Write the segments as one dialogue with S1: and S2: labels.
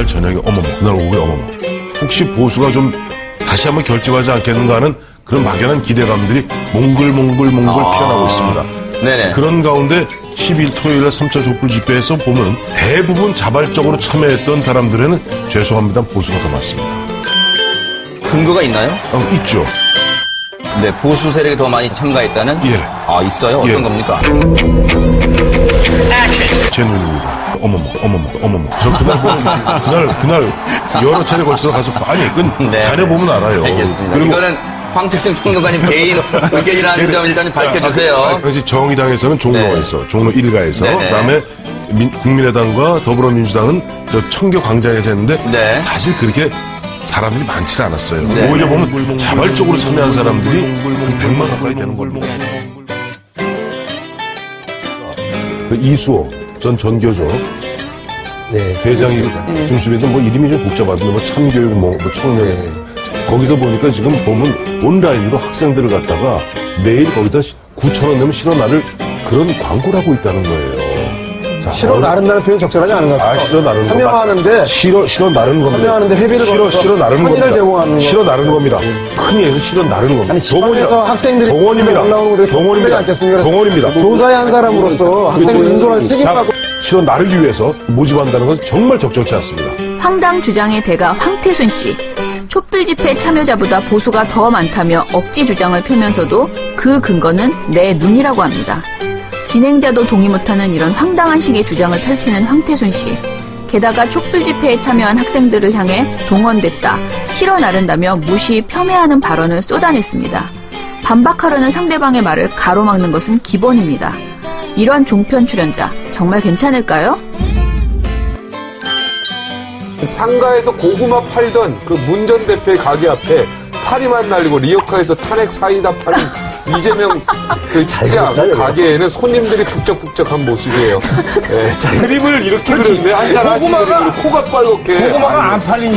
S1: 그날 저녁에 어머머, 그날 오후에 어머머. 혹시 보수가 좀 다시 한번 결집하지 않겠는가 하는 그런 막연한 기대감들이 몽글몽글 피어나고 있습니다.
S2: 네네.
S1: 그런 가운데 10일 토요일에 3차 촛불 집회에서 보면 대부분 자발적으로 참여했던 사람들에는 죄송합니다 보수가 더 많습니다.
S2: 근거가 있나요?
S1: 있죠.
S2: 네, 보수 세력이 더 많이 참가했다는?
S1: 예.
S2: 아, 있어요? 어떤
S1: 예.
S2: 겁니까?
S1: 제 눈입니다. 어머머. 저 그날 여러 차례 걸쳐서 가서
S2: 네.
S1: 다녀보면 알아요.
S2: 알겠습니다.
S1: 그리고
S2: 이거는 황택승 평론가님 개인 의견이라는 점 일단 밝혀주세요.
S1: 그래서 정의당에서는 종로에서, 종로 1가에서,
S2: 네네.
S1: 그다음에 국민의당과 더불어민주당은 저 청교 광장에서 했는데
S2: 네.
S1: 사실 그렇게 사람들이 많지 않았어요.
S2: 네.
S1: 오히려 보면 자발적으로 참여한 사람들이 한 100만 가까이 되는 걸로. 그 이수호 전 전교조 회장이 중심인데 뭐 이름이 좀 복잡하던데 뭐 참교육 뭐 청년 거기서 보니까 지금 보면 온라인으로 학생들을 갖다가 매일 거기다 9,000원 내면 실어 나를 그런 광고를 하고 있다는 거예요. 자,
S3: 실어 나른다는 표현 적절하지 않은 것 같아요.
S1: 실어 나르는 거.
S3: 참여하는데
S1: 실어 나르는 겁니다.
S3: 참여하는데 회비를
S1: 실어 나르는 겁니다.
S3: 제공하는 거.
S1: 실어 나르는 겁니다. 흔히 해서 실어 나르는 겁니다.
S3: 아니, 지방에서 학생들이
S1: 동원입니다.
S3: 올라오는 거
S1: 동원입니다.
S3: 않겠습니까?
S1: 동원입니다.
S3: 교사의 한 사람으로서 학생을 인솔할 책임하고
S1: 실어 나르기 위해서 모집한다는 건 정말 적절치 않습니다.
S4: 황당 주장의 대가 황태순 씨. 촛불 집회 참여자보다 보수가 더 많다며 억지 주장을 펴면서도 그 근거는 내 눈이라고 합니다. 진행자도 동의 못하는 이런 황당한 식의 주장을 펼치는 황태순 씨. 게다가 촛불 집회에 참여한 학생들을 향해 동원됐다, 실어 나른다며 무시, 폄훼하는 발언을 쏟아냈습니다. 반박하려는 상대방의 말을 가로막는 것은 기본입니다. 이런 종편 출연자 정말 괜찮을까요?
S5: 상가에서 고구마 팔던 그 문 전 대표의 가게 앞에 파리만 날리고 리어카에서 탄핵 사이다 파는 이재명 그 직장 가게에는 손님들이 북적북적한 모습이에요. 네. 그림을 이렇게 그렸네. 한잔 하지 그림으로 코가 빨갛게.
S6: 고구마가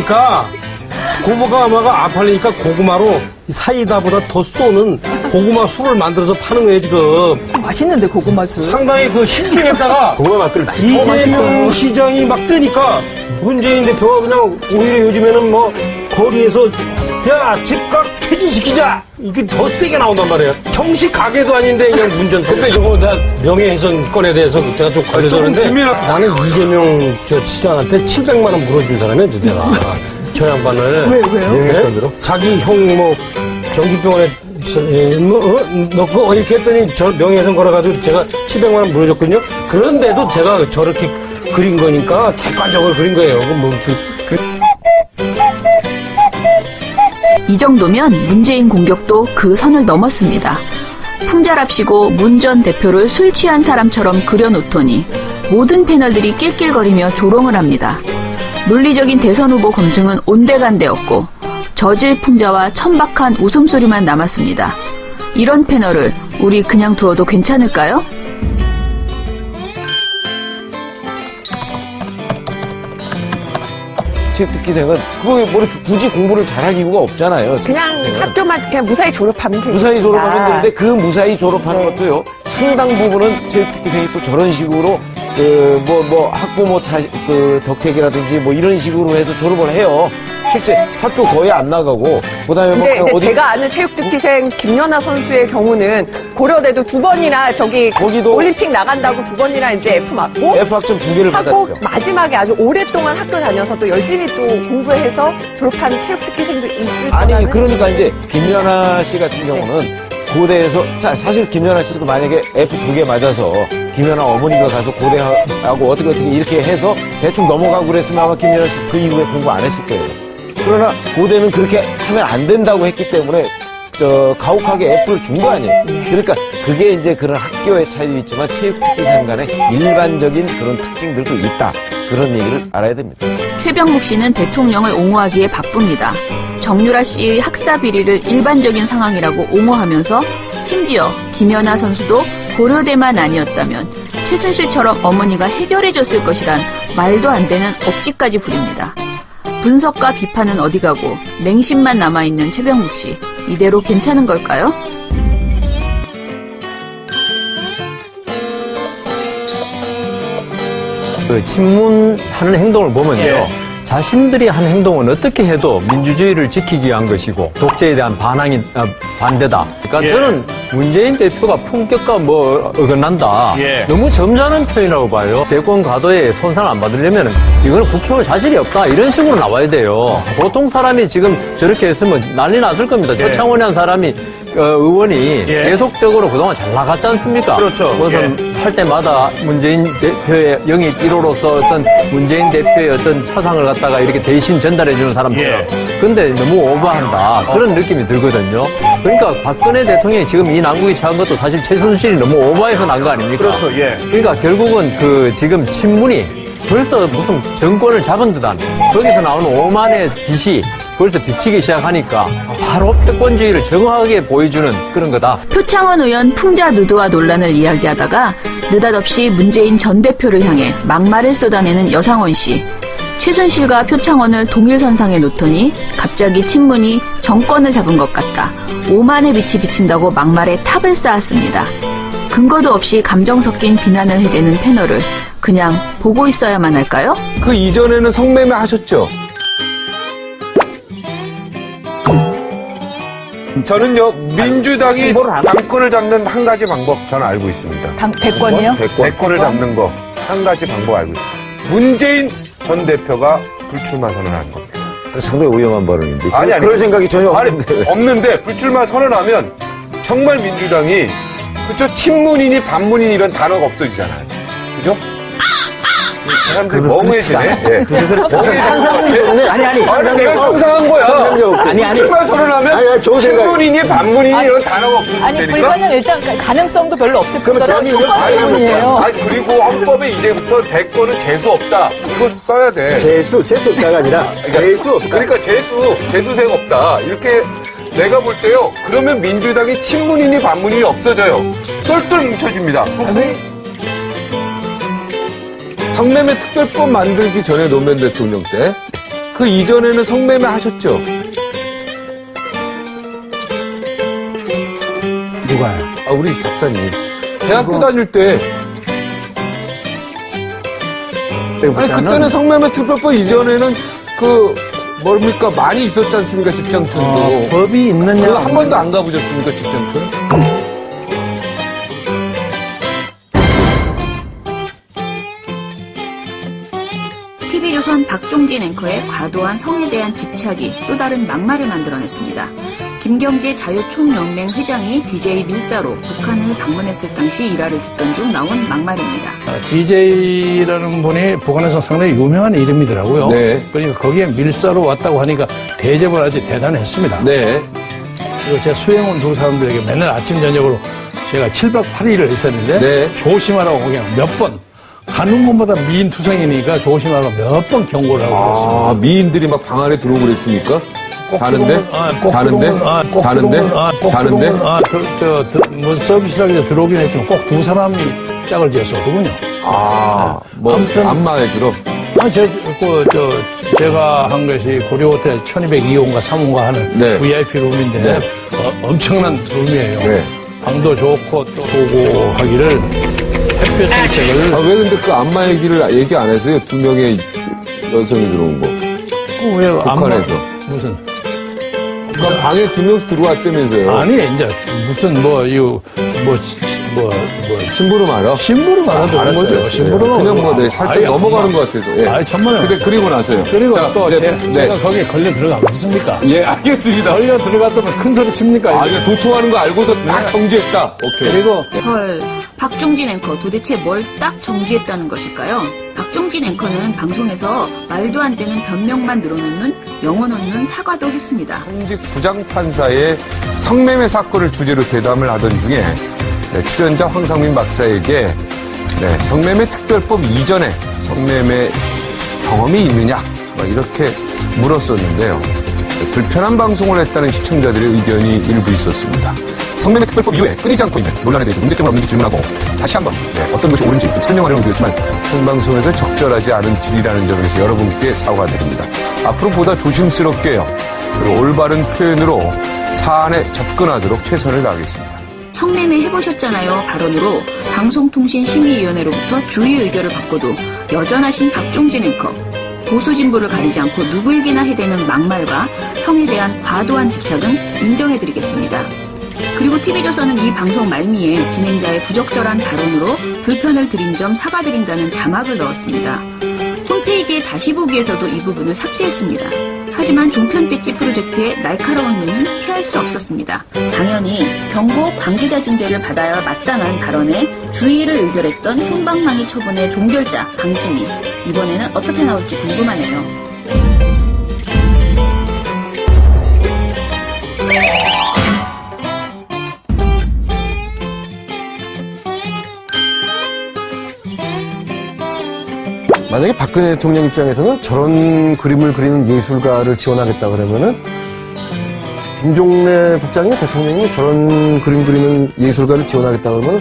S6: 안 팔리니까 고구마로 사이다보다 더 쏘는 고구마 술을 만들어서 파는 거예요, 지금.
S7: 맛있는데, 고구마 술.
S6: 상당히 그 신중했다가 이재명 시장이 막 뜨니까 문재인 대표가 그냥 오히려 요즘에는 뭐 거리에서 야, 집값 폐지시키자! 이게 더 세게 나온단 말이에요. 정식 가게도 아닌데 그냥 문전. 근데 이거 나 명예훼손건에 대해서 제가 좀 걸려서는데 나는 이재명 저 시장한테 700만 원 물어준 사람이야, 내가. 저 양반을.
S7: 왜요?
S6: 자기 형 뭐 정기병원에 넣고 이렇게 했더니 저 명예훼손 걸어가지고 제가 700만 원 물어줬거든요. 그런데도 제가 저렇게 그린 거니까 객관적으로 그린 거예요.
S4: 이 정도면 문재인 공격도 그 선을 넘었습니다. 풍자랍시고 문 전 대표를 술 취한 사람처럼 그려놓더니 모든 패널들이 낄낄거리며 조롱을 합니다. 논리적인 대선 후보 검증은 온데간데없고 저질 풍자와 천박한 웃음소리만 남았습니다. 이런 패널을 우리 그냥 두어도 괜찮을까요?
S8: 체육특기생은 그거 뭐 이렇게 굳이 공부를 잘할 이유가 없잖아요.
S7: 그냥 학교만 그냥 무사히 졸업하면 되니까.
S8: 무사히 졸업하면 되는데 그 무사히 졸업하는 것도요. 상당 부분은 체육특기생이 또 저런 식으로 학부모 덕택이라든지 뭐 이런 식으로 해서 졸업을 해요. 실제 학교 거의 안 나가고 그다음에
S7: 근데 제가 아는 체육특기생 김연아 선수의 경우는 고려대도 2번이나
S8: 거기도
S7: 올림픽 나간다고 2번이나 이제 F 맞고
S8: F 학점 2개를
S7: 하고
S8: 받았죠.
S7: 마지막에 아주 오랫동안 학교 다녀서 또 열심히 또 공부해서 졸업한 체육특기생도 있을
S8: 아니
S7: 거라는.
S8: 그러니까 이제 김연아 씨 같은 경우는 고대에서 사실 김연아 씨도 만약에 F 2개 맞아서 김연아 어머니가 가서 고대하고 어떻게 이렇게 해서 대충 넘어가고 그랬으면 아마 김연아 씨 그 이후에 공부 안 했을 거예요. 그러나 고대는 그렇게 하면 안 된다고 했기 때문에 가혹하게 F를 준 거 아니에요. 그러니까 그게 이제 그런 학교의 차이도 있지만 체육특기생 간의 일반적인 그런 특징들도 있다. 그런 얘기를 알아야 됩니다.
S4: 최병묵 씨는 대통령을 옹호하기에 바쁩니다. 정유라 씨의 학사 비리를 일반적인 상황이라고 옹호하면서 심지어 김연아 선수도 고려대만 아니었다면 최순실처럼 어머니가 해결해줬을 것이란 말도 안 되는 억지까지 부립니다. 분석과 비판은 어디 가고 맹심만 남아있는 최병묵 씨. 이대로 괜찮은 걸까요?
S9: 그 친문하는 행동을 보면요. 자신들이 한 행동은 어떻게 해도 민주주의를 지키기 위한 것이고 독재에 대한 반대다. 그러니까 저는 문재인 대표가 품격과 뭐 어긋난다. 너무 점잖은 표현이라고 봐요. 대권 가도에 손상 안 받으려면 이거는 국회의원 자질이 없다. 이런 식으로 나와야 돼요. 보통 사람이 지금 저렇게 했으면 난리 났을 겁니다. 최창원이라는 사람이 의원이 계속적으로 그동안 잘 나갔지 않습니까?
S6: 그렇죠.
S9: 무슨 할 때마다 문재인 대표의 영입 1호로서 어떤 문재인 대표의 어떤 사상을 갖다가 이렇게 대신 전달해주는 사람처럼. 근데 너무 오버한다. 그런 느낌이 들거든요. 그러니까 박근혜 대통령이 지금 이 난국에 처한 것도 사실 최순실이 너무 오버해서 난 거 아닙니까?
S6: 그렇죠.
S9: 그러니까 결국은 그 지금 친문이 벌써 무슨 정권을 잡은 듯한 거기서 나오는 오만의 빛이 벌써 비치기 시작하니까 바로 패권주의를 정확하게 보여주는 그런 거다.
S4: 표창원 의원 풍자 누드와 논란을 이야기하다가 느닷없이 문재인 전 대표를 향해 막말을 쏟아내는 여상원 씨. 최순실과 표창원을 동일선상에 놓더니 갑자기 친문이 정권을 잡은 것 같다. 오만의 빛이 비친다고 막말에 탑을 쌓았습니다. 근거도 없이 감정 섞인 비난을 해대는 패널을 그냥 보고 있어야만 할까요?
S5: 그 이전에는 성매매 하셨죠? 저는요, 민주당이 당권을 잡는 한 가지 방법 저는 알고 있습니다.
S7: 대권이요?
S5: 대권을 잡는 거 한 가지 방법 알고 있습니다. 문재인 전 대표가 불출마 선언하는 겁니다.
S8: 상당히 위험한 발언인데.
S5: 아니,
S8: 그럴 생각이 전혀 없는데.
S5: 없는데 불출마 선언하면 정말 민주당이 그쵸? 친문이니 반문이니 이런 단어가 없어지잖아요. 그죠? 사람들이 멍해지네. 멍해지네.
S3: 아니.
S5: 내가 상상한 거야.
S3: 아니.
S5: 출마 선언하면 친문이니 반문이니 이런 단어가 없어지니까.
S7: 아니, 불가능 일단 가능성도 별로 없을 뿐더러
S3: 대한민국
S5: 그리고 헌법에 이제부터 대권은 재수 없다. 이거 써야 돼.
S3: 재수 없다가 아니라 재수 없다.
S5: 그러니까 재수생 없다. 이렇게 내가 볼 때요. 그러면 민주당이 친문이니 반문이니 없어져요. 똘똘 뭉쳐집니다. 성매매 특별법 만들기 전에 노무현 대통령 때 그 이전에는 성매매 하셨죠?
S6: 누가요?
S5: 우리 박사님. 대학교 다닐 때. 아니, 그때는 성매매 특별법 이전에는 뭡니까? 많이 있었지 않습니까? 집장촌도.
S6: 법이 있느냐?
S5: 그거 한 번도 안 가보셨습니까? 집장촌?
S4: TV조선 박종진 앵커의 과도한 성에 대한 집착이 또 다른 막말을 만들어냈습니다. 김경재 자유총연맹 회장이 DJ 밀사로 북한을 방문했을 당시 일화를 듣던 중 나온 막말입니다.
S10: DJ라는 분이 북한에서 상당히 유명한 이름이더라고요.
S5: 네.
S10: 그러니까 거기에 밀사로 왔다고 하니까 대접을 아주 대단했습니다.
S5: 네.
S10: 그리고 제 수행원 두 사람들에게 맨날 아침 저녁으로 제가 7박 8일을 했었는데
S5: 네.
S10: 조심하라고 그냥 몇 번 가는 곳마다 미인투성이니까 조심하라고 몇 번 경고를 하고 그랬습니다.
S5: 미인들이 막 방 안에 들어오고 그랬습니까? 자는데?
S10: 뭐 서비스하게 들어오긴 했지만 꼭 두 사람이 짝을 지었었거든요.
S5: 아무튼 안마에 들어.
S10: 제가 한 것이 고려호텔 1202호인가 3호인가 하는
S5: 네.
S10: VIP 룸인데
S5: 네.
S10: 엄청난 룸이에요.
S5: 네.
S10: 방도 좋고 또 보고 하기를 햇볕 정책을
S5: 왜 근데 그 안마 얘기를 얘기 안 했어요? 2명의 여성이 들어온 거.
S10: 왜
S5: 북한에서.
S10: 무슨
S5: 그러니까 방에 2명씩 들어왔다면서요?
S10: 아니 이제 무슨
S5: 심부름 알아?
S10: 심부름 알아도 그런 거죠.
S5: 알았어요.
S10: 심부름
S5: 그냥 살짝 넘어가는 것 같아서. 예.
S10: 아이 천만에.
S5: 그리고 나서요.
S10: 그리고
S5: 자,
S10: 또
S5: 네.
S10: 제가 거기에 걸려 들어가겠습니까?
S5: 예, 알겠습니다.
S10: 걸려 들어갔다면 큰 소리 칩니까?
S5: 이거 도청하는 거 알고서 딱 정지했다. 오케이.
S10: 그리고
S4: 헐, 박종진 앵커 도대체 뭘 딱 정지했다는 것일까요? 박종진 앵커는 방송에서 말도 안 되는 변명만 늘어놓는 영혼 없는 사과도 했습니다.
S5: 현직 부장판사의 성매매 사건을 주제로 대담을 하던 중에 출연자 황상민 박사에게 성매매 특별법 이전에 성매매 경험이 있느냐 이렇게 물었었는데요. 불편한 방송을 했다는 시청자들의 의견이 일부 있었습니다. 성매매 특별법 이후에 끊이지 않고 있는 논란에 대해서 문제점은 없는지 질문하고 다시 한번 어떤 것이 옳은지 설명하려고 드렸지만 생방송에서 적절하지 않은 질이라는 점에서 여러분께 사과드립니다. 앞으로 보다 조심스럽게요. 그리고 올바른 표현으로 사안에 접근하도록 최선을 다하겠습니다.
S4: 성매매 해보셨잖아요 발언으로 방송통신심의위원회로부터 주의 의결을 받고도 여전하신 박종진 앵커. 보수 진보를 가리지 않고 누구에게나 해대는 막말과 형에 대한 과도한 집착은 인정해드리겠습니다. 그리고 TV조선은 이 방송 말미에 진행자의 부적절한 발언으로 불편을 드린 점 사과드린다는 자막을 넣었습니다. 홈페이지에 다시 보기에서도 이 부분을 삭제했습니다. 하지만 종편대치 프로젝트의 날카로운 눈은 피할 수 없었습니다. 당연히 경고 관계자 징계를 받아야 마땅한 발언에 주의를 의결했던 솜방망이 처분의 종결자 방심이 이번에는 어떻게 나올지 궁금하네요.
S3: 만약에 박근혜 대통령 입장에서는 저런 그림을 그리는 예술가를 지원하겠다 그러면은 김종래 국장이 대통령이 저런 그림 그리는 예술가를 지원하겠다 그러면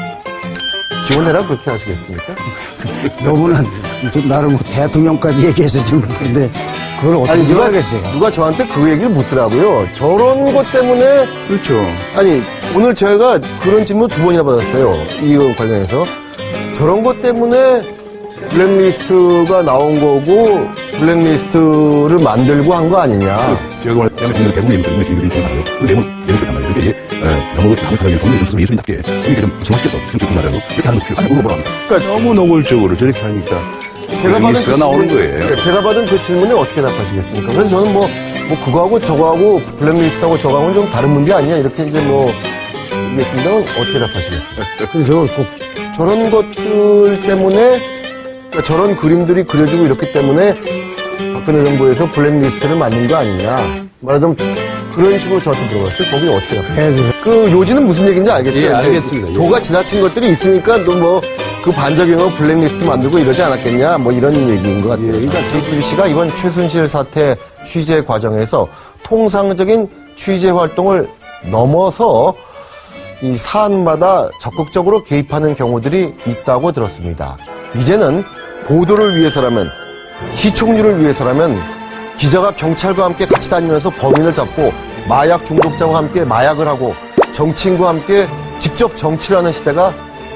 S3: 지원해라 그렇게 하시겠습니까?
S6: 너무나 나를 뭐 대통령까지 얘기해서 좀 그런데 그걸 어떻게 하겠어요?
S3: 누가 저한테 그 얘기를 묻더라고요. 저런 것 때문에
S6: 그렇죠.
S3: 아니 오늘 제가 그런 질문 2번이나 받았어요. 이거 관련해서 저런 것 때문에 블랙리스트가 나온 거고 블랙리스트를 만들고 한 거 아니냐.
S1: 제가 말하자면 대부분의 인물들이 좀 알아요. 그 내용은 그렇단 말이에요. 그러니까 이게 영어로 다른 사람이 보는 것처럼 예술인답게 그러니까 좀 성화시켜서 그렇게 말하고 그렇게 하는 거 필요 아니고 뭐라 그러니까 너무 노골적으로 저렇게 하니까 블랙리스트가 나오는 거예요.
S3: 제가 받은 그 질문에 어떻게 답하시겠습니까? 그래서 저는 뭐 그거하고 저거하고 블랙리스트하고 저거하고는 좀 다른 문제 아니냐 이렇게 이제 얘기했습니다만 어떻게 답하시겠어요?
S6: 그래서 꼭
S3: 저런 것들 때문에 그러니까 저런 그림들이 그려지고 이렇기 때문에 박근혜 정부에서 블랙리스트를 만든 거 아니냐. 말하자면 그런 식으로 저한테 물어봤어요. 거기 어떻게 해요? 그 요지는 무슨 얘기인지 알겠죠?
S9: 예, 알겠습니다.
S3: 도가 지나친 것들이 있으니까 또 그 반작용으로 블랙리스트 만들고 이러지 않았겠냐. 이런 얘기인 것 같아요. 그러니까 JTBC가 이번 최순실 사태 취재 과정에서 통상적인 취재 활동을 넘어서 이 사안마다 적극적으로 개입하는 경우들이 있다고 들었습니다. 이제는 보도를 위해서라면 시청률을 위해서라면 기자가 경찰과 함께 같이 다니면서 범인을 잡고 마약 중독자와 함께 마약을 하고 정치인과 함께 직접 정치를 하는 시대가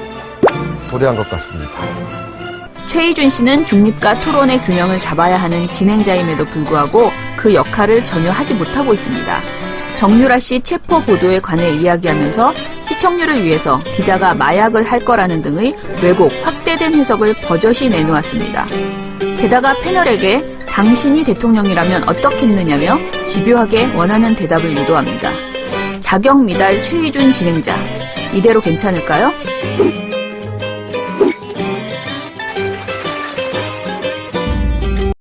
S3: 도래한 것 같습니다.
S4: 최희준 씨는 중립과 토론의 균형을 잡아야 하는 진행자임에도 불구하고 그 역할을 전혀 하지 못하고 있습니다. 정유라 씨 체포 보도에 관해 이야기하면서 시청률을 위해서 기자가 마약을 할 거라는 등의 왜곡, 확대된 해석을 버젓이 내놓았습니다. 게다가 패널에게 당신이 대통령이라면 어떻겠느냐며 집요하게 원하는 대답을 유도합니다. 자격 미달 최희준 진행자, 이대로 괜찮을까요?